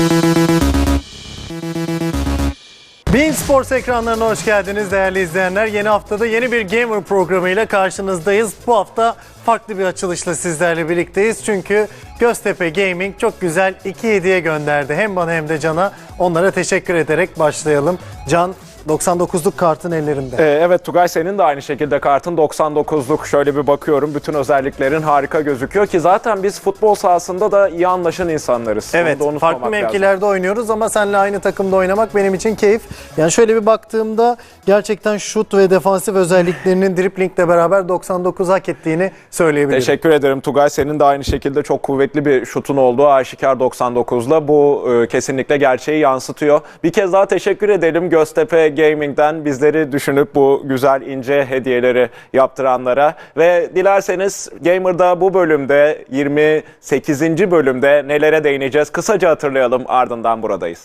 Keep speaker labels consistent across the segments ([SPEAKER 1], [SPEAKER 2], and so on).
[SPEAKER 1] beIN Sports ekranlarına hoş geldiniz değerli izleyenler. Yeni haftada yeni bir Gamer programıyla karşınızdayız. Bu hafta farklı bir açılışla sizlerle birlikteyiz. Çünkü Göztepe Gaming çok güzel 2 hediye gönderdi. Hem bana hem de Can'a. Onlara teşekkür ederek başlayalım. Can, 99'luk kartın ellerinde.
[SPEAKER 2] Evet Tugay, senin de aynı şekilde kartın 99'luk. Şöyle bir bakıyorum, bütün özelliklerin harika gözüküyor ki zaten biz futbol sahasında da iyi anlaşan insanlarız.
[SPEAKER 1] Evet, farklı mevkilerde oynuyoruz ama seninle aynı takımda oynamak benim için keyif. Yani şöyle bir baktığımda gerçekten şut ve defansif özelliklerinin driblingle beraber 99 hak ettiğini söyleyebilirim.
[SPEAKER 2] Teşekkür ederim Tugay. Senin de aynı şekilde çok kuvvetli bir şutun olduğu aşikar 99'la. Bu kesinlikle gerçeği yansıtıyor. Bir kez daha teşekkür edelim Göztepe Gaming'den bizleri düşünüp bu güzel ince hediyeleri yaptıranlara. Ve dilerseniz Gamer'da bu bölümde 28. bölümde nelere değineceğiz kısaca hatırlayalım, ardından buradayız.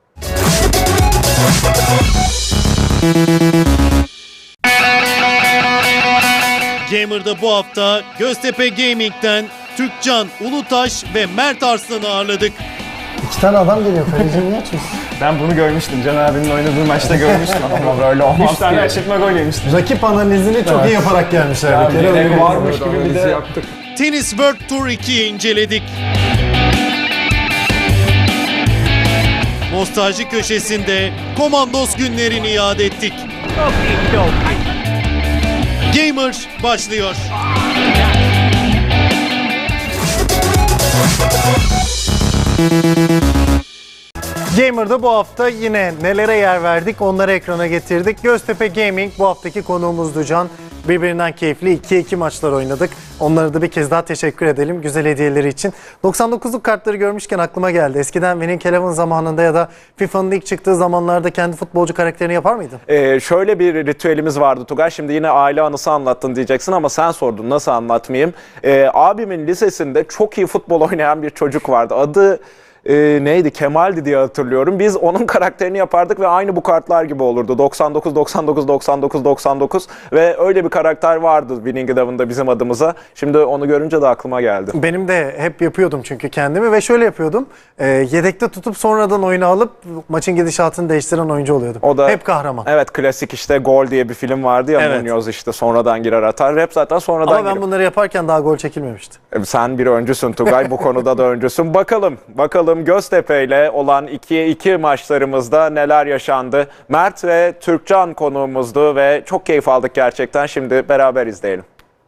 [SPEAKER 3] Gamer'da bu hafta Göztepe Gaming'den Türkcan Ulutaş ve Mert Arslan'ı ağırladık.
[SPEAKER 1] 2 tane adam geliyor. Kalecini niye açıyorsun?
[SPEAKER 4] Ben bunu görmüştüm. Can abinin oynadığı maçta görmüştüm ama böyle olmaz. 3 tane aşırtma gol yemiştim.
[SPEAKER 1] Rakip analizini çok iyi yaparak gelmişler. Bir kere öyle
[SPEAKER 4] varmış gibi bir de yaptık.
[SPEAKER 3] Tennis World Tour 2'yi inceledik. Nostalji köşesinde Komandos günlerini yad ettik. Gamer başlıyor.
[SPEAKER 1] Gamer'da bu hafta yine nelere yer verdik onları ekrana getirdik. Göztepe Gaming bu haftaki konuğumuzdu Can. Birbirinden keyifli 2-2 maçlar oynadık. Onlara da bir kez daha teşekkür edelim güzel hediyeleri için. 99'luk kartları görmüşken aklıma geldi. Eskiden Winning Eleven zamanında ya da FIFA'nın ilk çıktığı zamanlarda kendi futbolcu karakterini yapar mıydın?
[SPEAKER 2] Şöyle bir ritüelimiz vardı Tugay. Şimdi yine aile anısı anlattın diyeceksin ama sen sordun, nasıl anlatmayayım. Abimin lisesinde çok iyi futbol oynayan bir çocuk vardı. Adı neydi? Kemal'di diye hatırlıyorum. Biz onun karakterini yapardık ve aynı bu kartlar gibi olurdu. 99, 99, 99, 99 ve öyle bir karakter vardı Winning Eleven'da bizim adımıza. Şimdi onu görünce de aklıma geldi.
[SPEAKER 1] Benim de hep yapıyordum çünkü kendimi ve şöyle yapıyordum. Yedekte tutup sonradan oyunu alıp maçın gidişatını değiştiren oyuncu oluyordum.
[SPEAKER 2] O da,
[SPEAKER 1] hep kahraman.
[SPEAKER 2] Evet, klasik işte Gol diye bir film vardı ya,
[SPEAKER 1] Evet.
[SPEAKER 2] Munoz işte sonradan girer atar. Hep zaten sonradan
[SPEAKER 1] Ama ben bunları yaparken daha gol çekilmemişti.
[SPEAKER 2] Sen bir öncüsün Tugay, bu konuda da öncüsün. Bakalım Göztepe ile olan 2'ye 2 maçlarımızda neler yaşandı. Mert ve Türkcan konuğumuzdu ve çok keyif aldık gerçekten. Şimdi beraber izleyelim.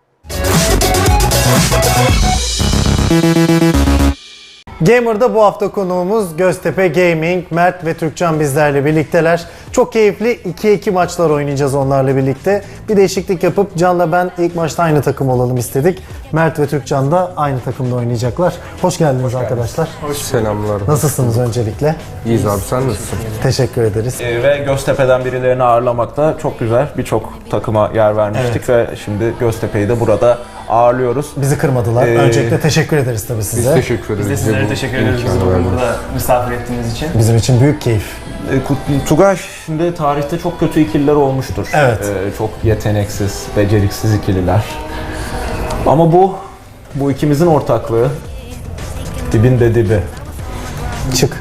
[SPEAKER 1] Gamer'da bu hafta konuğumuz Göztepe Gaming, Mert ve Türkcan bizlerle birlikteler. Çok keyifli 2-2 maçlar oynayacağız onlarla birlikte. Bir değişiklik yapıp Can'la ben ilk maçta aynı takım olalım istedik. Mert ve Türkcan da aynı takımda oynayacaklar. Hoş geldiniz arkadaşlar.
[SPEAKER 5] Selamlar.
[SPEAKER 1] Nasılsınız öncelikle?
[SPEAKER 5] İyiyiz abi, sen nasılsın?
[SPEAKER 1] Teşekkür ederiz.
[SPEAKER 2] Ve Göztepe'den birilerini ağırlamakta çok güzel. Birçok takıma yer vermiştik ve şimdi Göztepe'yi de burada ağırlıyoruz.
[SPEAKER 1] Bizi kırmadılar. Öncelikle teşekkür ederiz tabii size.
[SPEAKER 5] Biz teşekkür ederiz.
[SPEAKER 4] Biz de sizlere teşekkür ederiz bizi bugün burada misafir ettiğiniz için.
[SPEAKER 1] Bizim için büyük keyif.
[SPEAKER 2] Tugay, şimdi tarihte çok kötü ikililer olmuştur.
[SPEAKER 1] Evet.
[SPEAKER 2] Çok yeteneksiz, beceriksiz ikililer. Ama bu ikimizin ortaklığı dibinde dibi.
[SPEAKER 1] Çık.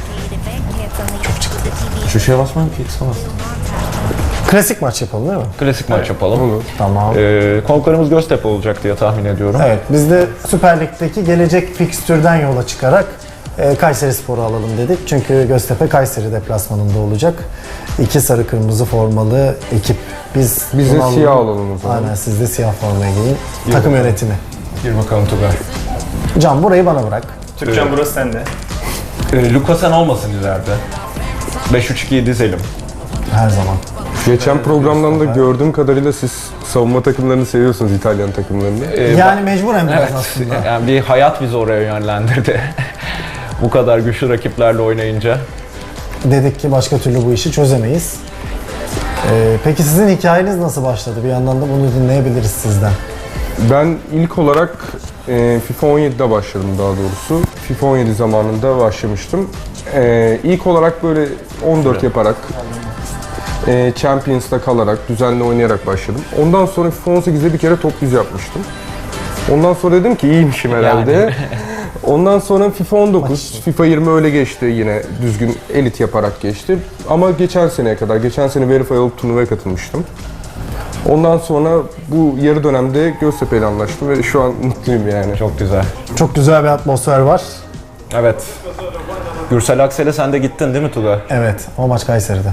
[SPEAKER 2] Şu şeye basmayayım ki, X'e bastım.
[SPEAKER 1] Klasik maç yapalım değil mi?
[SPEAKER 2] Klasik maç yapalım.
[SPEAKER 5] Olur.
[SPEAKER 1] Tamam.
[SPEAKER 2] Konuklarımız Göztepe olacak diye tahmin ediyorum.
[SPEAKER 1] Evet, biz de Süper Lig'deki gelecek fikstürden yola çıkarak Kayserispor'u alalım dedik. Çünkü Göztepe Kayseri deplasmanında olacak. 2 sarı kırmızı formalı ekip. Biz
[SPEAKER 5] Biz de
[SPEAKER 1] bunu
[SPEAKER 5] siyah alalım o zaman.
[SPEAKER 1] Aynen, siz de siyah formaya giyin. Takım yönetimi.
[SPEAKER 2] Gir bakalım Tugay.
[SPEAKER 1] Can, burayı bana bırak.
[SPEAKER 4] Türkcan burası sende.
[SPEAKER 2] Luka sen olmasın ileride. 5-3-2'yi dizelim.
[SPEAKER 1] Her zaman.
[SPEAKER 5] Geçen programdan da gördüğüm kadarıyla siz savunma takımlarını seviyorsunuz, İtalyan takımlarını.
[SPEAKER 1] Yani mecburen biraz
[SPEAKER 2] Evet,
[SPEAKER 1] aslında.
[SPEAKER 2] yani bir hayat bizi oraya yönlendirdi. Bu kadar güçlü rakiplerle oynayınca.
[SPEAKER 1] Dedik ki başka türlü bu işi çözemeyiz. Peki sizin hikayeniz nasıl başladı? Bir yandan da bunu dinleyebiliriz sizden.
[SPEAKER 5] Ben ilk olarak FIFA 17'de başladım daha doğrusu. FIFA 17 zamanında başlamıştım. İlk olarak böyle 14 yaparak, Champions'ta kalarak, düzenli oynayarak başladım. Ondan sonra FIFA 18'de bir kere top 100 yapmıştım. Ondan sonra dedim ki iyiymişim herhalde. Ondan sonra FIFA 19, FIFA 20 öyle geçti yine düzgün elit yaparak geçti. Ama geçen seneye kadar, geçen sene Verify olup turnuvaya katılmıştım. Ondan sonra bu yarı dönemde Göztepe ile anlaştım ve şu an mutluyum yani.
[SPEAKER 4] Çok güzel.
[SPEAKER 1] Çok güzel bir atmosfer var.
[SPEAKER 4] Evet. Gürsel Aksel'e sen de gittin değil mi Tugay?
[SPEAKER 1] Evet, o maç Kayseri'de.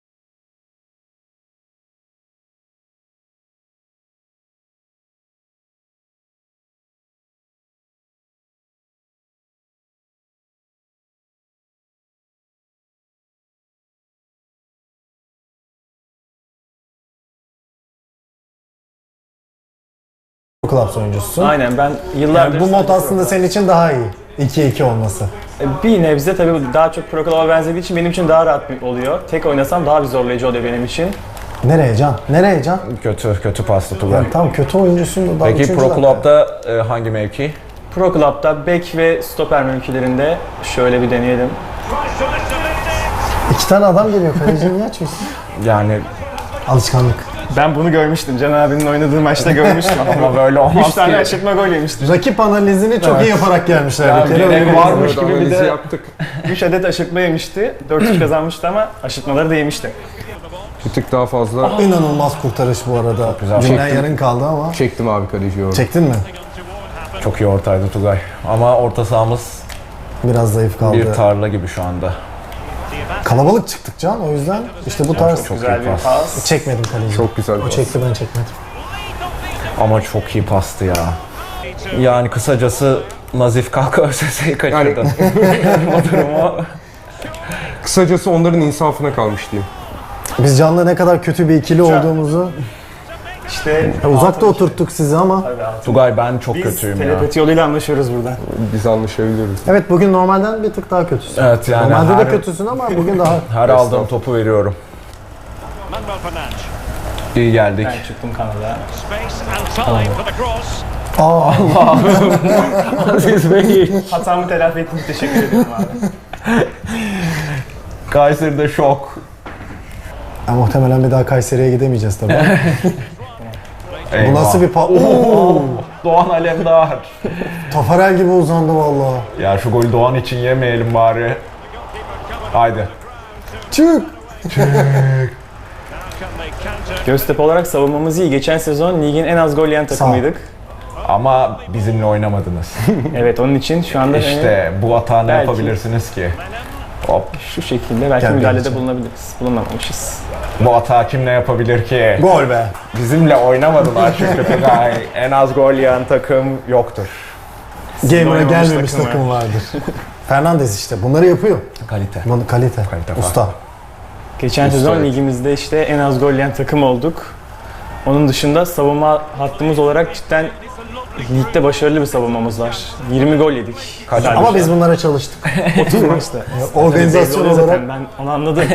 [SPEAKER 1] Clubs oyuncususun.
[SPEAKER 6] Aynen ben yıllardır...
[SPEAKER 1] Yani bu mod aslında senin için daha iyi. 2-2 olması.
[SPEAKER 6] Bir nebze tabii daha çok Pro Club'a benzediği için benim için daha rahat oluyor. Tek oynasam daha bir zorlayıcı oluyor benim için.
[SPEAKER 1] Nereye Can? Nereye Can?
[SPEAKER 4] Kötü pastı Tugay.
[SPEAKER 1] Yani tam kötü oyuncusun da daha
[SPEAKER 4] Peki
[SPEAKER 1] üçüncü
[SPEAKER 4] Pro
[SPEAKER 1] zaten.
[SPEAKER 4] Club'da hangi mevki?
[SPEAKER 6] Pro Club'da bek ve stoper mevkilerinde şöyle bir deneyelim.
[SPEAKER 1] 2 tane adam geliyor. Kaleciyi niye açıyorsun?
[SPEAKER 4] Yani
[SPEAKER 1] Alışkanlık.
[SPEAKER 6] Ben bunu görmüştüm. Can abinin oynadığı maçta görmüştüm.
[SPEAKER 4] ama böyle olmaz
[SPEAKER 6] 3 tane
[SPEAKER 4] ki.
[SPEAKER 6] aşırtma gol yemişti.
[SPEAKER 1] Rakip analizini çok iyi yaparak gelmişler.
[SPEAKER 6] Ya
[SPEAKER 1] bir kere.
[SPEAKER 6] gerek
[SPEAKER 1] Öyle
[SPEAKER 6] varmış
[SPEAKER 1] bir-
[SPEAKER 6] gibi bir de
[SPEAKER 5] yaptık.
[SPEAKER 6] 3 adet aşırtma yemişti. 4-3 kazanmıştı ama aşırtmaları da yemişti.
[SPEAKER 5] Bir tık daha fazla
[SPEAKER 1] İnanılmaz kurtarış bu arada.
[SPEAKER 4] güzel.
[SPEAKER 1] Günden
[SPEAKER 5] Çektim.
[SPEAKER 1] yarın kaldı ama.
[SPEAKER 5] çektim abi kaleciyi orada.
[SPEAKER 1] Çektin mi?
[SPEAKER 4] Çok iyi ortaydı Tugay. Ama orta sahamız
[SPEAKER 1] Biraz zayıf kaldı.
[SPEAKER 4] bir tarla gibi şu anda.
[SPEAKER 1] Kalabalık çıktık Can, o yüzden işte bu tarz.
[SPEAKER 4] Çok
[SPEAKER 6] Güzel
[SPEAKER 4] iyi
[SPEAKER 6] bir
[SPEAKER 4] pas.
[SPEAKER 6] pas.
[SPEAKER 1] Çekmedim kaleciyi.
[SPEAKER 5] Çok güzel
[SPEAKER 1] O
[SPEAKER 5] pas.
[SPEAKER 1] çekti, ben çekmedim.
[SPEAKER 4] Ama çok iyi pastı ya. Yani kısacası Nazif Kalka ÖSS'yi kaçırdın. O durumu.
[SPEAKER 5] Kısacası onların insafına kalmış diyeyim.
[SPEAKER 1] Biz Can'la ne kadar kötü bir ikili olduğumuzu
[SPEAKER 6] İşte
[SPEAKER 1] uzakta oturttuk sizi ama.
[SPEAKER 4] Tugay ben çok
[SPEAKER 6] biz
[SPEAKER 4] kötüyüm ya.
[SPEAKER 6] telepati yoluyla anlaşıyoruz burada.
[SPEAKER 5] Biz anlaşabiliyoruz.
[SPEAKER 1] Evet, bugün normalden bir tık daha kötüsün.
[SPEAKER 4] Evet yani
[SPEAKER 1] Normalde de
[SPEAKER 4] her,
[SPEAKER 1] kötüsün ama bugün daha.
[SPEAKER 4] her aldığım topu veriyorum. İyi geldik.
[SPEAKER 6] Ben çıktım kanada.
[SPEAKER 1] Aa,
[SPEAKER 4] Aziz Bey.
[SPEAKER 6] Hatamı telafi ettiğiniz teşekkür ederim abi.
[SPEAKER 4] Kayseri'de şok.
[SPEAKER 1] ya muhtemelen bir daha Kayseri'ye gidemeyeceğiz tabii. Bu
[SPEAKER 4] Eyvah.
[SPEAKER 1] nasıl bir
[SPEAKER 4] Doğan Alemdar.
[SPEAKER 1] Tafarel gibi uzandı vallahi.
[SPEAKER 4] Ya şu golü Doğan için yemeyelim bari. Haydi.
[SPEAKER 1] Çık.
[SPEAKER 6] Göztepe olarak savunmamız iyi. Geçen sezon ligin en az gol yiyen takımıydık.
[SPEAKER 4] Ama bizimle oynamadınız.
[SPEAKER 6] Evet, onun için şu anda
[SPEAKER 4] İşte bu hata ne
[SPEAKER 6] Belki.
[SPEAKER 4] yapabilirsiniz ki? Hop.
[SPEAKER 6] şu şekilde belki
[SPEAKER 1] Gel
[SPEAKER 6] müdahalede
[SPEAKER 1] geleceğim.
[SPEAKER 6] bulunabiliriz. Bulunmamışız.
[SPEAKER 4] Bu hata kim ne yapabilir ki?
[SPEAKER 1] Gol be.
[SPEAKER 4] Bizimle oynamadılar çünkü Tugay. En az gol yiyen takım yoktur.
[SPEAKER 1] Gamer'a
[SPEAKER 6] oynamamış
[SPEAKER 1] gelmemiş
[SPEAKER 6] takım
[SPEAKER 1] takım vardır. Fernandes işte bunları yapıyor.
[SPEAKER 4] Kalite.
[SPEAKER 1] Bunu kalite.
[SPEAKER 4] Kalite
[SPEAKER 1] Usta.
[SPEAKER 6] Geçen
[SPEAKER 4] Usta,
[SPEAKER 6] sezon
[SPEAKER 4] evet.
[SPEAKER 6] ligimizde işte en az gol yiyen takım olduk. Onun dışında savunma hattımız olarak cidden ligde başarılı bir savunmamız var. 20 gol yedik.
[SPEAKER 4] Kaç-
[SPEAKER 6] Sadece
[SPEAKER 1] Ama biz bunlara çalıştık.
[SPEAKER 6] 30 maçta.
[SPEAKER 1] Organizasyon
[SPEAKER 6] Belli oluyor
[SPEAKER 1] olarak
[SPEAKER 6] zaten, ben onu anladım.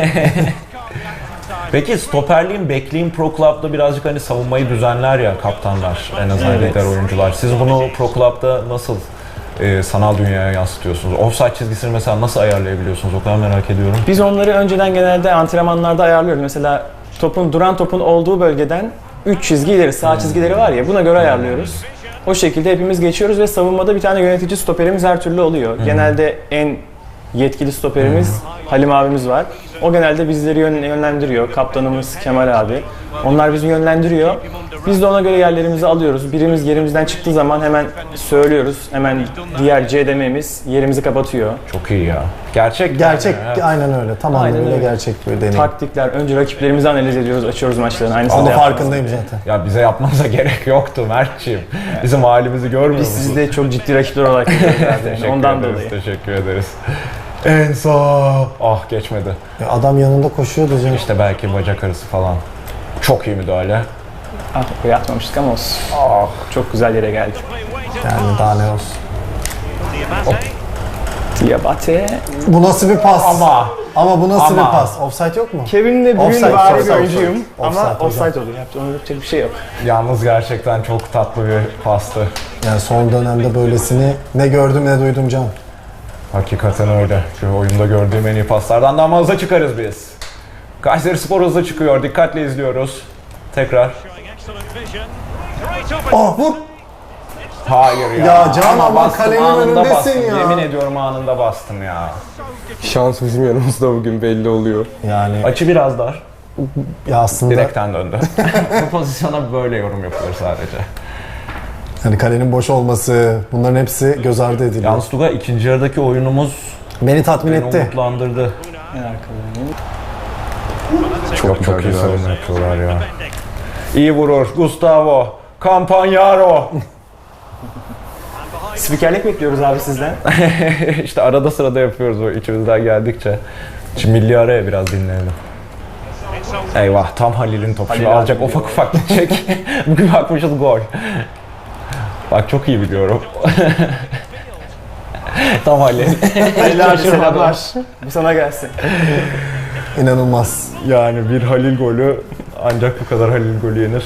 [SPEAKER 4] Peki stoperliğin, bekliğin Pro Club'da birazcık hani savunmayı düzenler ya kaptanlar, en azından
[SPEAKER 6] Evet.
[SPEAKER 4] lider oyuncular. Siz bunu Pro Club'da nasıl sanal dünyaya yansıtıyorsunuz? Offside çizgisini mesela nasıl ayarlayabiliyorsunuz? O kadar merak ediyorum.
[SPEAKER 6] Biz onları önceden genelde antrenmanlarda ayarlıyoruz. Mesela duran topun olduğu bölgeden 3 çizgi ileri, sağ çizgileri var ya, buna göre ayarlıyoruz. O şekilde hepimiz geçiyoruz ve savunmada bir tane yönetici stoperimiz her türlü oluyor. Genelde en yetkili stoperimiz Halim abimiz var. O genelde bizleri yönlendiriyor. Kaptanımız Kemal abi. Onlar bizi yönlendiriyor. Biz de ona göre yerlerimizi alıyoruz. Birimiz yerimizden çıktığı zaman hemen söylüyoruz. Hemen diğer CDM'miz yerimizi kapatıyor.
[SPEAKER 4] Çok iyi ya. Gerçek.
[SPEAKER 1] gerçek,
[SPEAKER 4] yani, evet.
[SPEAKER 1] aynen öyle. Tam
[SPEAKER 6] Aynen
[SPEAKER 1] anlamıyla
[SPEAKER 6] öyle.
[SPEAKER 1] gerçek bir deneyim.
[SPEAKER 6] Taktikler, önce rakiplerimizi analiz ediyoruz, açıyoruz maçların. Aynısını
[SPEAKER 1] Onun
[SPEAKER 6] da yapıyoruz.
[SPEAKER 1] farkındayım zaten.
[SPEAKER 4] Ya bize yapmanıza gerek yoktu Mert'ciğim. Bizim halimizi görmüyor
[SPEAKER 6] Biz
[SPEAKER 4] musun?
[SPEAKER 6] sizi de çok ciddi rakipler olarak görüyoruz zaten.
[SPEAKER 4] Teşekkür
[SPEAKER 6] Ondan
[SPEAKER 4] ederiz,
[SPEAKER 6] dolayı.
[SPEAKER 4] teşekkür ederiz.
[SPEAKER 1] En sağ.
[SPEAKER 4] Ah geçmedi.
[SPEAKER 1] Ya adam yanında koşuyor diyeceğim.
[SPEAKER 4] İşte belki bacak arası falan. Çok iyi müdahale.
[SPEAKER 6] Ah, buraya atmamıştık ama olsun.
[SPEAKER 4] Ah.
[SPEAKER 6] Çok güzel yere geldik.
[SPEAKER 1] Yani daha ne olsun.
[SPEAKER 6] Diabate.
[SPEAKER 1] Bu nasıl bir pas?
[SPEAKER 4] Ama
[SPEAKER 1] bu nasıl
[SPEAKER 4] Ama.
[SPEAKER 1] bir pas? Offside yok mu?
[SPEAKER 6] Kevin de
[SPEAKER 1] Offside,
[SPEAKER 6] bugün bari bir
[SPEAKER 1] offside,
[SPEAKER 6] oyuncuyum
[SPEAKER 1] offside.
[SPEAKER 6] ama
[SPEAKER 1] Offside
[SPEAKER 6] offside oluyor. Ona yapacak bir şey yok.
[SPEAKER 4] yalnız gerçekten çok tatlı bir pastı.
[SPEAKER 1] Yani son dönemde böylesini ne gördüm ne duydum Can.
[SPEAKER 4] Hakikaten öyle. Şu oyunda gördüğüm en iyi paslardan da ama hızlı çıkarız biz. Kayserispor hızlı çıkıyor. Dikkatle izliyoruz. Tekrar.
[SPEAKER 1] Oh vur.
[SPEAKER 4] Hayır ya.
[SPEAKER 1] Ya Can ama
[SPEAKER 4] bastım,
[SPEAKER 1] kalenin
[SPEAKER 4] anında
[SPEAKER 1] önündesin
[SPEAKER 4] bastım.
[SPEAKER 1] ya.
[SPEAKER 4] Yemin ediyorum anında bastım ya.
[SPEAKER 5] Şans bizim yanımızda bugün belli oluyor.
[SPEAKER 1] Yani
[SPEAKER 4] Açı biraz dar.
[SPEAKER 1] ya aslında
[SPEAKER 4] Direkten döndü. Bu pozisyona böyle yorum yapılır sadece.
[SPEAKER 1] hani kalenin boş olması bunların hepsi göz ardı ediliyor.
[SPEAKER 4] Yalnız Tugay ikinci yarıdaki oyunumuz
[SPEAKER 1] Beni tatmin
[SPEAKER 4] beni
[SPEAKER 1] etti.
[SPEAKER 4] umutlandırdı.
[SPEAKER 6] En arkalarını.
[SPEAKER 4] Çok iyi
[SPEAKER 5] güzel.
[SPEAKER 4] savunma yapıyorlar ya. İyi vurur Gustavo. Campagnaro.
[SPEAKER 6] Spikerlik bekliyoruz abi sizden.
[SPEAKER 4] İşte arada sırada yapıyoruz o içimizden geldikçe. Şimdi milli araya biraz dinleyelim. Eyvah tam Halil'in topu. Şimdi
[SPEAKER 6] Halil
[SPEAKER 4] alacak
[SPEAKER 6] abi
[SPEAKER 4] ufak ufak gidecek. Bugün bakmışız gol. Bak çok iyi biliyorum. Tam Halil.
[SPEAKER 6] Hayırlı abi selamlar. Bu sana gelsin.
[SPEAKER 1] İnanılmaz.
[SPEAKER 4] Yani bir Halil golü ancak bu kadar Halil golü yenir.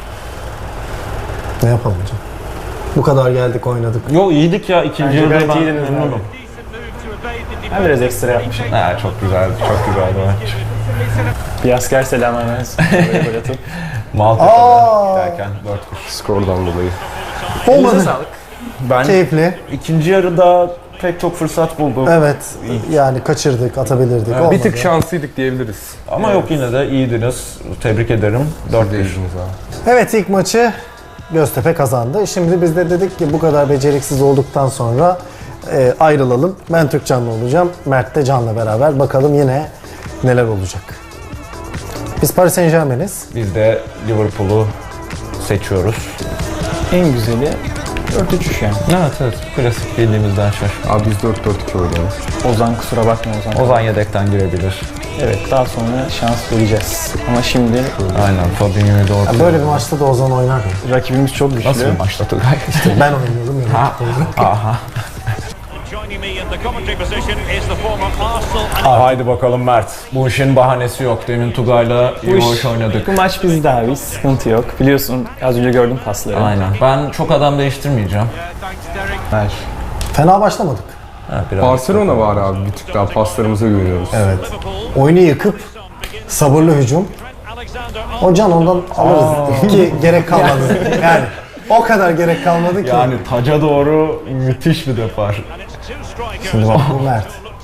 [SPEAKER 1] Ne yapalım hocam? Bu kadar geldik oynadık.
[SPEAKER 4] Yo iyiydik ya ikinci
[SPEAKER 6] Bence
[SPEAKER 4] yarıda
[SPEAKER 6] gayet
[SPEAKER 4] ben
[SPEAKER 6] iyiydiniz
[SPEAKER 4] memnunum.
[SPEAKER 6] abi. Ben biraz ekstra yapmışım.
[SPEAKER 4] Ha, çok güzel maç.
[SPEAKER 6] Bir asker selamı hemen. Böyle gol atıp.
[SPEAKER 4] Maltepe'de giderken 4-1.
[SPEAKER 5] Skordan dolayı.
[SPEAKER 1] Olmadı.
[SPEAKER 6] Sağlık.
[SPEAKER 4] Ben
[SPEAKER 1] Keyifli.
[SPEAKER 4] ikinci yarıda pek çok fırsat buldum.
[SPEAKER 1] Evet. Yani kaçırdık, atabilirdik. Olmadı.
[SPEAKER 5] Bir tık şanslıydık diyebiliriz.
[SPEAKER 4] Ama yok yine de iyiydiniz. Tebrik ederim. 4-1.
[SPEAKER 5] Değildiniz abi.
[SPEAKER 1] Evet, ilk maçı Göztepe kazandı. Şimdi biz de dedik ki bu kadar beceriksiz olduktan sonra ayrılalım. Ben Türkcan'la olacağım. Mert de Can'la beraber. Bakalım yine neler olacak. Biz Paris Saint-Germain'iz.
[SPEAKER 4] Biz de Liverpool'u seçiyoruz.
[SPEAKER 6] En güzeli 4-3 yani.
[SPEAKER 4] Evet. Klasik bildiğimizden şaşma.
[SPEAKER 5] Abi biz 4-4-2 oynuyoruz.
[SPEAKER 6] Ozan kusura bakma Ozan.
[SPEAKER 4] Ozan yedekten girebilir.
[SPEAKER 6] Evet daha sonra şans vereceğiz. Ama şimdi
[SPEAKER 4] Aynen. Fabinho'yu da ortaya.
[SPEAKER 1] Ya böyle bir maçta da Ozan oynar ya.
[SPEAKER 6] rakibimiz çok güçlü.
[SPEAKER 4] Nasıl bir maçta Tugay?
[SPEAKER 1] Ben oynuyorum ya.
[SPEAKER 4] Aha.
[SPEAKER 7] Joining me in the commentary position is the former Arsenal
[SPEAKER 4] Haydi bakalım Mert. Bu işin bahanesi yok. Demin Tugay'la iyi hoş oynadık.
[SPEAKER 6] Bu maç bizde abi, sıkıntı yok. Biliyorsun az önce gördüm pasları.
[SPEAKER 4] Aynen. Ben çok adam değiştirmeyeceğim.
[SPEAKER 6] Ver.
[SPEAKER 1] Fena başlamadık.
[SPEAKER 4] Ha, biraz.
[SPEAKER 5] Barcelona var abi bir tık daha paslarımıza güveniyoruz.
[SPEAKER 1] Evet. Oyunu yıkıp sabırlı hücum. O Can ondan alırız ki gerek kalmadı. Yani o kadar gerek kalmadı ki.
[SPEAKER 4] Yani taca doğru müthiş bir depar.
[SPEAKER 1] Şimdi bak bu Mert.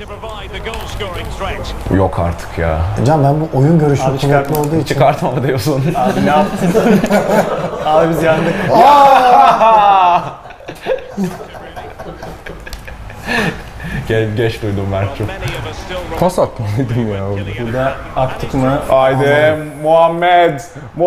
[SPEAKER 4] Yok artık ya.
[SPEAKER 1] Can ben bu oyun görüşüm
[SPEAKER 6] Abi
[SPEAKER 1] kuvvetli
[SPEAKER 6] çıkartma.
[SPEAKER 1] olduğu için.
[SPEAKER 4] Çıkartma mı diyorsun?
[SPEAKER 6] Abi ne yaptın? Abi biz yandık.
[SPEAKER 4] Geç duydum Mert'cim.
[SPEAKER 5] Pas atmalıydım ya orada.
[SPEAKER 6] Burada aktık mı?
[SPEAKER 4] Haydi Muhammed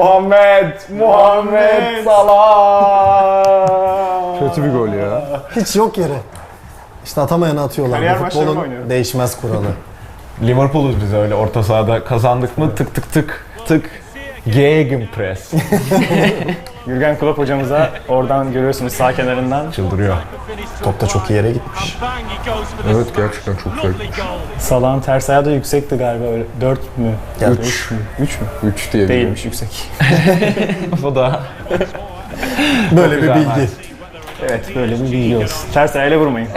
[SPEAKER 4] Salah.
[SPEAKER 5] Kötü bir gol ya.
[SPEAKER 1] Hiç yok yere. İşte atamayanı atıyorlar.
[SPEAKER 6] Kariyer
[SPEAKER 1] Bu
[SPEAKER 6] maçları mı
[SPEAKER 1] futbolun
[SPEAKER 6] oynuyorum?
[SPEAKER 1] değişmez kuralı.
[SPEAKER 4] Liverpool'uz biz öyle orta sahada kazandık mı tık tık tık tık. Gegenpress.
[SPEAKER 6] Jürgen Klopp hocamıza oradan görüyorsunuz sağ kenarından.
[SPEAKER 4] Çıldırıyor.
[SPEAKER 1] Top da çok iyi yere gitmiş.
[SPEAKER 5] Evet gerçekten çok güzel.
[SPEAKER 6] Salah'ın ters ayağı da yüksekti galiba öyle. 4 mü?
[SPEAKER 1] Ya
[SPEAKER 6] 3 mü? 3 mü?
[SPEAKER 5] 3 diyebilirim.
[SPEAKER 6] Değilmiş, yüksek.
[SPEAKER 4] Bu da
[SPEAKER 1] Böyle bir
[SPEAKER 4] güzel
[SPEAKER 1] bilgi.
[SPEAKER 4] maç.
[SPEAKER 6] Evet böyle bir bilgi olsun. Ters ayağıyla vurmayın.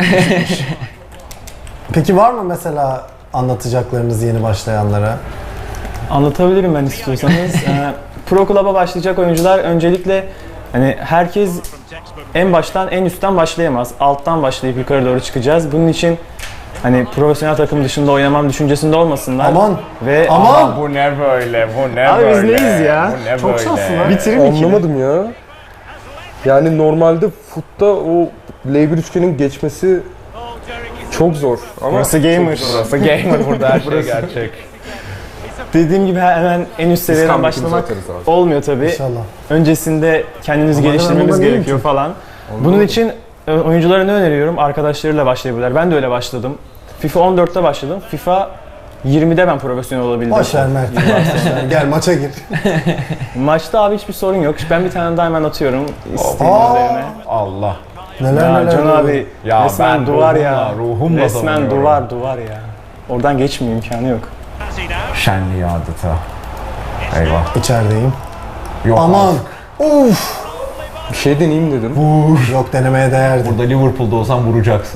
[SPEAKER 1] Peki var mı mesela anlatacaklarınız yeni başlayanlara?
[SPEAKER 6] Anlatabilirim ben istiyorsanız. Pro Club'a başlayacak oyuncular öncelikle hani herkes en baştan en üstten başlayamaz. Alttan başlayıp yukarı doğru çıkacağız. Bunun için hani profesyonel takım dışında oynamam düşüncesinde olmasınlar.
[SPEAKER 1] Aman!
[SPEAKER 6] Ve
[SPEAKER 1] Aman!
[SPEAKER 4] bu ne böyle bu ne
[SPEAKER 6] Abi biz
[SPEAKER 4] böyle.
[SPEAKER 6] neyiz ya?
[SPEAKER 4] Bu ne
[SPEAKER 1] Çok
[SPEAKER 4] böyle.
[SPEAKER 1] şanslı lan.
[SPEAKER 6] bitirin ikili.
[SPEAKER 5] Anlamadım ya. Yani normalde futta o L1 üçgenin geçmesi çok zor. Ama
[SPEAKER 6] Burası gamer.
[SPEAKER 4] Burası gamer burada her şey gerçek.
[SPEAKER 6] Dediğim gibi hemen en üst seviyeden
[SPEAKER 5] İskambilimizi
[SPEAKER 6] başlamak
[SPEAKER 5] atarız abi.
[SPEAKER 6] olmuyor tabii.
[SPEAKER 1] İnşallah.
[SPEAKER 6] Öncesinde kendinizi
[SPEAKER 1] Ama
[SPEAKER 6] geliştirmeniz
[SPEAKER 1] hemen ondan
[SPEAKER 6] gerekiyor falan. Bunun için oyunculara ne öneriyorum? Arkadaşlarıyla başlayabilirler. Ben de öyle başladım. FIFA 14'te başladım. FIFA 20'de ben profesyonel olabildim.
[SPEAKER 1] Boş ver Mert. Gel maça gir.
[SPEAKER 6] Maçta abi hiçbir sorun yok. Ben bir tane daha hemen atıyorum isteğin
[SPEAKER 1] Aa!
[SPEAKER 6] üzerine.
[SPEAKER 4] Allah.
[SPEAKER 1] Neler
[SPEAKER 6] Ya
[SPEAKER 1] neler.
[SPEAKER 6] Can
[SPEAKER 1] oluyor.
[SPEAKER 6] abi
[SPEAKER 4] Ya
[SPEAKER 6] resmen
[SPEAKER 4] ben
[SPEAKER 6] duvar ya.
[SPEAKER 4] ruhumla
[SPEAKER 6] Resmen
[SPEAKER 4] savunuyorum.
[SPEAKER 6] duvar ya. Oradan geçmiyor, imkanı yok.
[SPEAKER 4] Şenliği adeta. Eyvah.
[SPEAKER 1] İçerideyim.
[SPEAKER 4] Yok
[SPEAKER 1] Aman!
[SPEAKER 4] artık.
[SPEAKER 1] Uf!
[SPEAKER 5] bir şey deneyeyim dedim.
[SPEAKER 1] Yok denemeye değerdi.
[SPEAKER 4] Burada Liverpool'da olsan vuracaksın.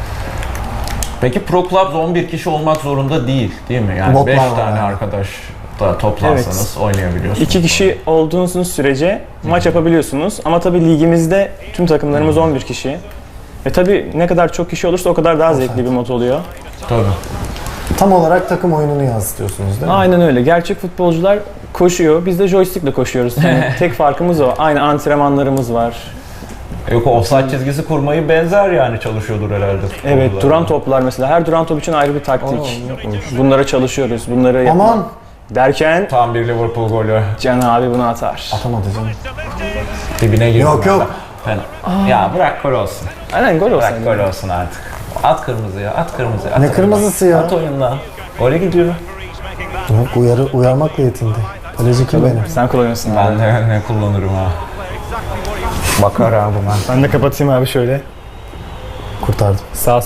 [SPEAKER 4] Peki Pro Clubs 11 kişi olmak zorunda değil mi? Yani
[SPEAKER 1] Botlar
[SPEAKER 4] 5
[SPEAKER 1] var
[SPEAKER 4] tane
[SPEAKER 1] yani.
[SPEAKER 4] arkadaş da toplansanız oynayabiliyorsunuz.
[SPEAKER 6] 2 kişi olduğunuz sürece maç yapabiliyorsunuz. Ama tabii ligimizde tüm takımlarımız 11 kişi. Ve tabii ne kadar çok kişi olursa o kadar daha zevkli bir mod oluyor.
[SPEAKER 4] Tabii.
[SPEAKER 1] Tam olarak takım oyununu yansıtıyorsunuz değil mi?
[SPEAKER 6] Aynen öyle. Gerçek futbolcular koşuyor. Biz de joystickle koşuyoruz. Yani tek farkımız o. Aynı antrenmanlarımız var.
[SPEAKER 4] Yok o offside çizgisi kurmayı benzer yani çalışıyordur herhalde.
[SPEAKER 6] Evet,
[SPEAKER 4] futbolcular.
[SPEAKER 6] duran toplar mesela. Her duran top için ayrı bir taktik. Bunlara çalışıyoruz. Bunları yapmak
[SPEAKER 1] Aman!
[SPEAKER 6] derken
[SPEAKER 4] Tam bir Liverpool golü.
[SPEAKER 6] Can abi bunu atar.
[SPEAKER 1] Atamadı canım.
[SPEAKER 4] Dibine girdi.
[SPEAKER 1] Yok, yok.
[SPEAKER 4] Fena. Ya bırak gol olsun.
[SPEAKER 6] Aynen gol olsun.
[SPEAKER 4] Bırak gol olsun artık. At kırmızıya, at kırmızıya. At
[SPEAKER 1] Ne
[SPEAKER 4] oyundan.
[SPEAKER 1] kırmızısı ya?
[SPEAKER 4] At oyundan. Gole gidiyor.
[SPEAKER 1] Yok, uyarmakla yetindi. Kaleci kim benim?
[SPEAKER 6] Sen kullanıyorsun abi.
[SPEAKER 4] Ben de ne kullanırım ha. Bakar abi ben.
[SPEAKER 6] Ben de kapatayım abi şöyle.
[SPEAKER 1] Kurtardım.
[SPEAKER 6] Sağ.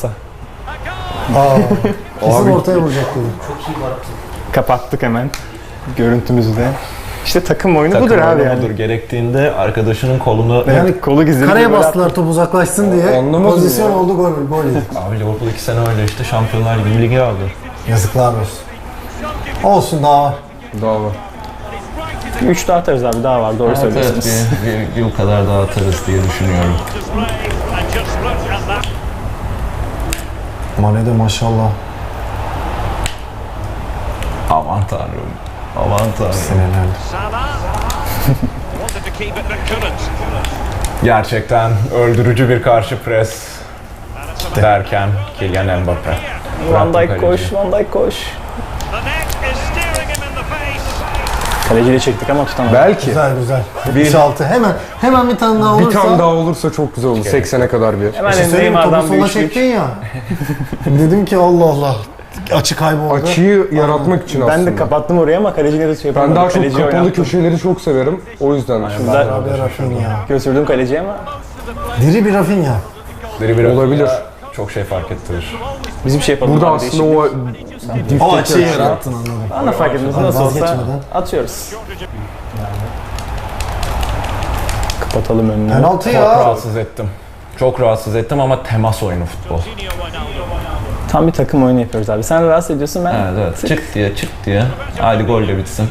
[SPEAKER 1] Kesin ortaya vuracak dedim.
[SPEAKER 6] Kapattık hemen. Görüntümüzü de. İşte takım oyunu
[SPEAKER 4] Takım
[SPEAKER 6] budur abi
[SPEAKER 4] oyunu
[SPEAKER 6] yani.
[SPEAKER 4] budur. Gerektiğinde arkadaşının kolunu...
[SPEAKER 1] Yani
[SPEAKER 6] Kolu gizli.
[SPEAKER 1] kareye bastılar top uzaklaşsın diye.
[SPEAKER 5] Anlamadım
[SPEAKER 1] Pozisyon
[SPEAKER 5] ya.
[SPEAKER 1] oldu, gol yedik.
[SPEAKER 4] Abi Liverpool 2 sene öyle işte Şampiyonlar Ligi ligi aldı.
[SPEAKER 1] Yazıklar olsun. Olsun, daha var.
[SPEAKER 5] Daha var.
[SPEAKER 6] 3 daha atarız abi, daha var, doğru
[SPEAKER 4] Evet,
[SPEAKER 6] söylüyorsunuz.
[SPEAKER 4] bir yıl kadar daha atarız diye düşünüyorum.
[SPEAKER 7] And just look at that.
[SPEAKER 1] Mane de maşallah.
[SPEAKER 4] Aman tanrım. Aman tanrım.
[SPEAKER 1] Senelerdir.
[SPEAKER 7] Salah wanted to keep it but couldn't.
[SPEAKER 4] Gerçekten öldürücü bir karşı pres derken Kylian Mbappe.
[SPEAKER 6] Van
[SPEAKER 4] Bıraktı
[SPEAKER 6] Dijk
[SPEAKER 4] kaleciyi.
[SPEAKER 6] koş, Van Dijk koş.
[SPEAKER 7] The net is staring him in the face.
[SPEAKER 6] Kaleciyle çektik ama tutamadık.
[SPEAKER 5] Belki.
[SPEAKER 1] Güzel güzel. 76. Hemen bir tane daha olursa.
[SPEAKER 5] Bir tane daha olursa çok güzel olur. 80'e kadar bir.
[SPEAKER 6] Hemen
[SPEAKER 1] Bir şey söyleyeyim mi? Topu
[SPEAKER 6] Neymar'dan bir
[SPEAKER 1] sola
[SPEAKER 6] üçlük.
[SPEAKER 1] çektin ya. Dedim ki Allah Allah. Açı kayboldu.
[SPEAKER 5] Açıyı yaratmak için aslında.
[SPEAKER 6] Ben de kapattım oraya ama kaleciyle de şey yapamadım.
[SPEAKER 5] Ben daha çok
[SPEAKER 6] Kaleciyi
[SPEAKER 5] kapalı
[SPEAKER 6] oynattım.
[SPEAKER 5] köşeleri çok severim. O yüzden.
[SPEAKER 6] Güzel.
[SPEAKER 1] Abi Rafinha.
[SPEAKER 6] Götürdüm kaleciye ama
[SPEAKER 1] Diri bir Rafinha.
[SPEAKER 5] Olabilir.
[SPEAKER 4] Çok şey fark ettirir.
[SPEAKER 6] biz bir şey yapalım.
[SPEAKER 5] Burada
[SPEAKER 6] abi,
[SPEAKER 5] aslında
[SPEAKER 6] değişik.
[SPEAKER 5] o
[SPEAKER 1] O açıyı yarattın, anladım.
[SPEAKER 6] Bana fark etmez, nasıl olsa
[SPEAKER 1] Vazgeçmeden.
[SPEAKER 6] atıyoruz. Kapatalım önünü.
[SPEAKER 1] Penaltı
[SPEAKER 4] Çok
[SPEAKER 1] ya.
[SPEAKER 4] rahatsız ettim. Çok rahatsız ettim ama temas oyunu futbol.
[SPEAKER 6] Tam bir takım oyunu yapıyoruz abi. Sen rahatsız ediyorsun, ben
[SPEAKER 4] Evet. Çık diye. Hadi golle bitsin.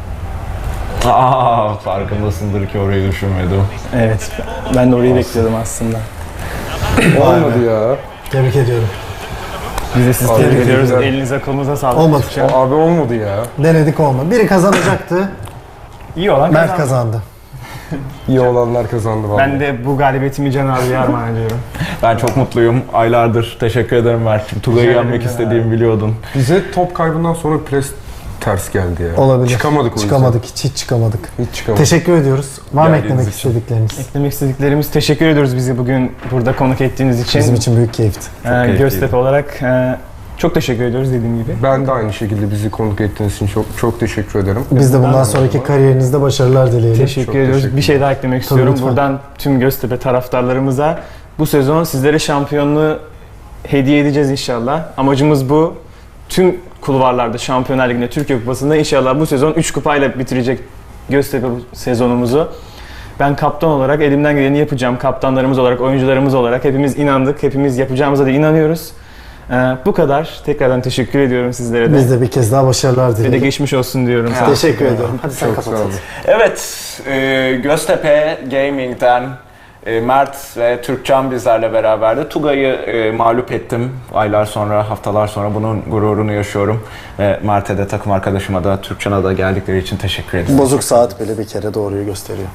[SPEAKER 4] Farkındasındır ki orayı düşünmedim.
[SPEAKER 6] Evet, ben de orayı bekliyordum aslında.
[SPEAKER 5] olmadı ya.
[SPEAKER 1] Tebrik ediyorum.
[SPEAKER 6] Biz de sizi
[SPEAKER 5] Abi,
[SPEAKER 6] tebrik ediyoruz.
[SPEAKER 5] güzel.
[SPEAKER 6] Elinize kolunuza sağlık.
[SPEAKER 1] Olmadı.
[SPEAKER 5] Abi olmadı ya.
[SPEAKER 1] Denedik, olmadı. Biri kazanacaktı.
[SPEAKER 6] İyi olan
[SPEAKER 1] Mert
[SPEAKER 6] kazandı.
[SPEAKER 1] kazandı.
[SPEAKER 5] İyi olanlar kazandı vallahi.
[SPEAKER 6] Ben de bu galibiyetimi Can abiye armağan ediyorum.
[SPEAKER 4] Ben çok mutluyum. Aylardır. Teşekkür ederim Mert'ciğim. Tugay'ı
[SPEAKER 6] Rica
[SPEAKER 4] yenmek
[SPEAKER 6] ederim
[SPEAKER 4] istediğimi biliyordun.
[SPEAKER 5] Bize top kaybından sonra pres ters geldi ya.
[SPEAKER 1] Olabilir.
[SPEAKER 5] Çıkamadık o yüzden.
[SPEAKER 1] Çıkamadık, hiç çıkamadık.
[SPEAKER 5] Hiç çıkamadık.
[SPEAKER 1] Teşekkür ediyoruz. Var mı
[SPEAKER 4] Geldiğiniz
[SPEAKER 1] eklemek
[SPEAKER 4] için.
[SPEAKER 1] istedikleriniz?
[SPEAKER 6] Eklemek istediklerimiz, teşekkür ediyoruz bizi bugün burada konuk ettiğiniz için.
[SPEAKER 1] Bizim için büyük keyifti.
[SPEAKER 4] keyifliydi.
[SPEAKER 6] Göztepe olarak çok teşekkür ediyoruz dediğim gibi.
[SPEAKER 5] Ben de aynı şekilde bizi konuk ettiğiniz için çok teşekkür ederim.
[SPEAKER 1] Biz de bundan sonraki kariyerinizde başarılar dileyelim.
[SPEAKER 6] Teşekkür
[SPEAKER 5] Çok
[SPEAKER 6] ediyoruz.
[SPEAKER 5] teşekkür
[SPEAKER 6] Bir şey daha eklemek istiyorum.
[SPEAKER 1] lütfen.
[SPEAKER 6] Buradan tüm Göztepe taraftarlarımıza bu sezon sizlere şampiyonluğu hediye edeceğiz inşallah. Amacımız bu. Tüm kulvarlarda, Şampiyonlar Ligi'nde, Türkiye Kupası'nda inşallah bu sezon 3 kupayla bitirecek Göztepe bu sezonumuzu. Ben kaptan olarak elimden geleni yapacağım. Kaptanlarımız olarak, oyuncularımız olarak hepimiz inandık. Hepimiz yapacağımıza da inanıyoruz. Bu kadar. Tekrardan teşekkür ediyorum sizlere de.
[SPEAKER 1] Biz de bir kez daha başarılar
[SPEAKER 6] Ve de
[SPEAKER 1] dileyelim.
[SPEAKER 6] geçmiş olsun diyorum.
[SPEAKER 1] Teşekkür ediyorum. Hadi sen
[SPEAKER 5] Çok
[SPEAKER 1] kapat.
[SPEAKER 5] sağ olun.
[SPEAKER 4] Evet, Göztepe Gaming'den Mert ve Türkcan bizlerle beraberdi. Tugay'ı mağlup ettim. Aylar sonra, haftalar sonra bunun gururunu yaşıyorum. Ve Mert'e de, takım arkadaşıma da, Türkcan'a da geldikleri için teşekkür ederim.
[SPEAKER 1] Bozuk saat bile bir kere doğruyu gösteriyor.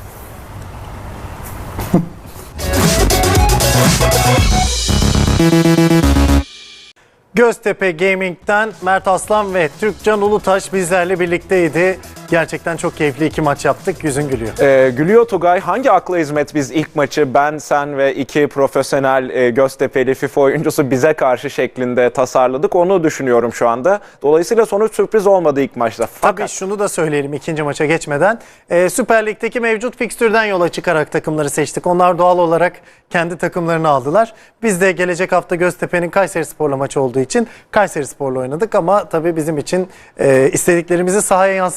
[SPEAKER 1] Göztepe Gaming'den Mert Aslan ve Türkcan Ulutaş bizlerle birlikteydi. Gerçekten çok keyifli 2 maç yaptık. Yüzün gülüyor.
[SPEAKER 4] Gülüyor Tugay. Hangi akla hizmet biz ilk maçı ben, sen ve 2 profesyonel Göztepe'li FIFA oyuncusu bize karşı şeklinde tasarladık. Onu düşünüyorum şu anda. Dolayısıyla sonuç sürpriz olmadı ilk maçta.
[SPEAKER 1] Tabii şunu da söyleyelim ikinci maça geçmeden. Süper Lig'deki mevcut fikstürden yola çıkarak takımları seçtik. Onlar doğal olarak kendi takımlarını aldılar. Biz de gelecek hafta Göztepe'nin Kayserispor'la maçı olduğu için Kayserispor'la oynadık. Ama tabii bizim için istediklerimizi sahaya yansıtamadığımız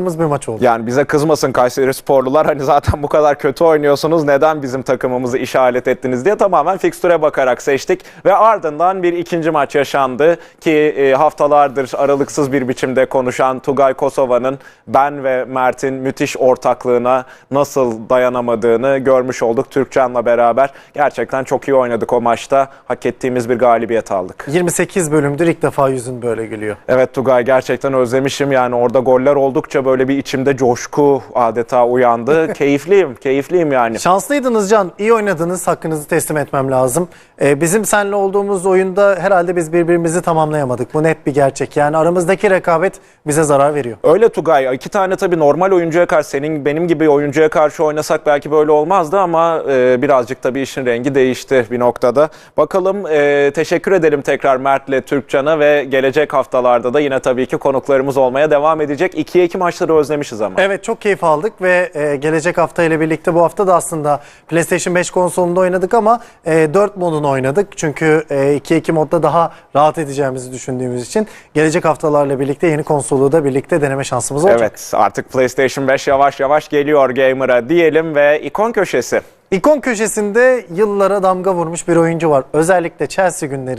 [SPEAKER 1] aradığımız bir maç oldu.
[SPEAKER 2] Yani bize kızmasın Kayseri sporlular, hani zaten bu kadar kötü oynuyorsunuz, neden bizim takımımızı işaret ettiniz diye tamamen fikstüre bakarak seçtik. Ve ardından bir ikinci maç yaşandı ki haftalardır aralıksız bir biçimde konuşan Tugay Kosova'nın ben ve Mert'in müthiş ortaklığına nasıl dayanamadığını görmüş olduk Türkcan'la beraber. Gerçekten çok iyi oynadık o maçta. Hak ettiğimiz bir galibiyet aldık.
[SPEAKER 1] 28 bölümdür ilk defa yüzün böyle gülüyor.
[SPEAKER 2] Evet Tugay, gerçekten özlemişim. Yani orada goller oldukça böyle bir içimde coşku adeta uyandı. Keyifliyim yani.
[SPEAKER 1] Şanslıydınız Can. İyi oynadınız. Hakkınızı teslim etmem lazım. Bizim seninle olduğumuz oyunda herhalde biz birbirimizi tamamlayamadık. Bu net bir gerçek. Yani aramızdaki rekabet bize zarar veriyor.
[SPEAKER 2] Öyle Tugay. İki tane tabii normal oyuncuya karşı, senin benim gibi oyuncuya karşı oynasak belki böyle olmazdı ama birazcık tabii işin rengi değişti bir noktada. Bakalım, teşekkür edelim tekrar Mert'le Türkcan'a ve gelecek haftalarda da yine tabii ki konuklarımız olmaya devam edecek. 2'ye 2 maçları özlemişiz ama.
[SPEAKER 1] Evet, çok keyif aldık ve gelecek hafta ile birlikte bu hafta da aslında PlayStation 5 konsolunda oynadık ama 4 modunu oynadık. Çünkü 2-2 modda daha rahat edeceğimizi düşündüğümüz için gelecek haftalarla birlikte yeni konsolu da birlikte deneme şansımız olacak.
[SPEAKER 2] Evet, artık PlayStation 5 yavaş yavaş geliyor gamer'a diyelim ve ikon köşesi.
[SPEAKER 1] İkon köşesinde yıllara damga vurmuş bir oyuncu var. Özellikle Chelsea günleri